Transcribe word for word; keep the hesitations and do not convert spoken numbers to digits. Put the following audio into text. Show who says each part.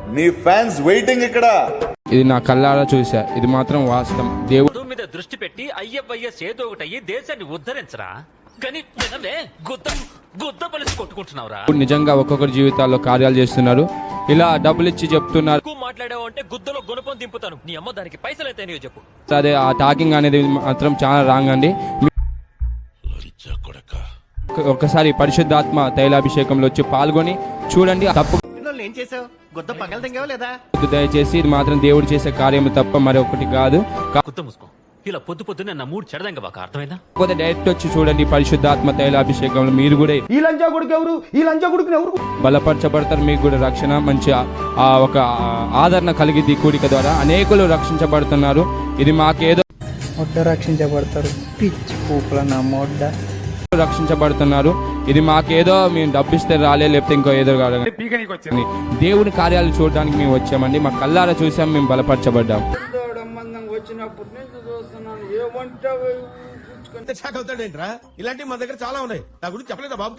Speaker 1: నీ fans waiting ఇక్కడ.
Speaker 2: ఇది నా కళ్ళారా చూసా, ఇది మాత్రం వాస్తవం. దేవుడు
Speaker 3: మీద దృష్టి పెట్టి అయ్యవయ్య సేదో ఒకటయ్యి దేశాన్ని ఉద్ధరించరా, కానీ గుద్ద గుద్ద పలిసి కొట్టుకుంటున్నావురా.
Speaker 2: నిజంగా ఒక్కొక్కరి జీవితాల్లో కార్యాలు చేస్తున్నారు. ఇలా డబ్బులు ఇచ్చి చెప్తున్నారు.
Speaker 3: ఎక్కువ మాట్లాడావు అంటే గుద్దలో గుణపం దింపుతాను. నీ అమ్మ దానికి పైసలు అయితే నీవు చెప్పు.
Speaker 2: అదే ఆ టాకింగ్ అనేది మాత్రం చాలా రాంగ్ అండి. ఒక్కసారి పరిశుద్ధాత్మ తైలాభిషేకంలో వచ్చి పాల్గొని చూడండి. తప్పు
Speaker 4: ఏం చేసావు? గుద్ద పగల దింగావా లేదా?
Speaker 2: దయచేసి ఇది మాత్రం దేవుడు చేసే కార్యం తప్ప మరొకటి కాదు.
Speaker 3: గుద్ద మూసుకో. ఇలా పొద్దు పొద్దునే నా మూడు చెడదంగా బాగా అర్థమైందా?
Speaker 2: కాకపోతే డైరెక్ట్ వచ్చి చూడండి పరిశుద్ధాత్మ తైలాభిషేకంలో మీరు కూడా
Speaker 5: ఈ లంచా కొడుకు ఎవరు, ఈ లంచా కొడుకుని ఎవరు
Speaker 2: బలపరచబడతారు. మీకు కూడా రక్షణ మంచి ఆ ఒక ఆదరణ కలిగిద్ది. కూడిక ద్వారా అనేకులు రక్షించబడుతున్నారు. ఇది మాకేదో
Speaker 6: మొట్ట రక్షించబడతారు. పిచ్చి పూపుల నా మొడ్డ
Speaker 2: రక్షించబడుతున్నారు. ఇది మాకేదో మేము డబ్బిస్తే రాలే, లేకపోతే ఇంకో ఏదో కాదు. దేవుని కార్యాలు చూడడానికి మేము వచ్చామండి. మా కళ్ళారా చూసాం, మేము బలపరచబడ్డాం.
Speaker 5: వచ్చినప్పటి నుంచి చూస్తున్నాను. ఏమంటావు?
Speaker 4: ఇలాంటివి మా దగ్గర చాలా ఉన్నాయి. నా గురించి చెప్పలేదా బాబు?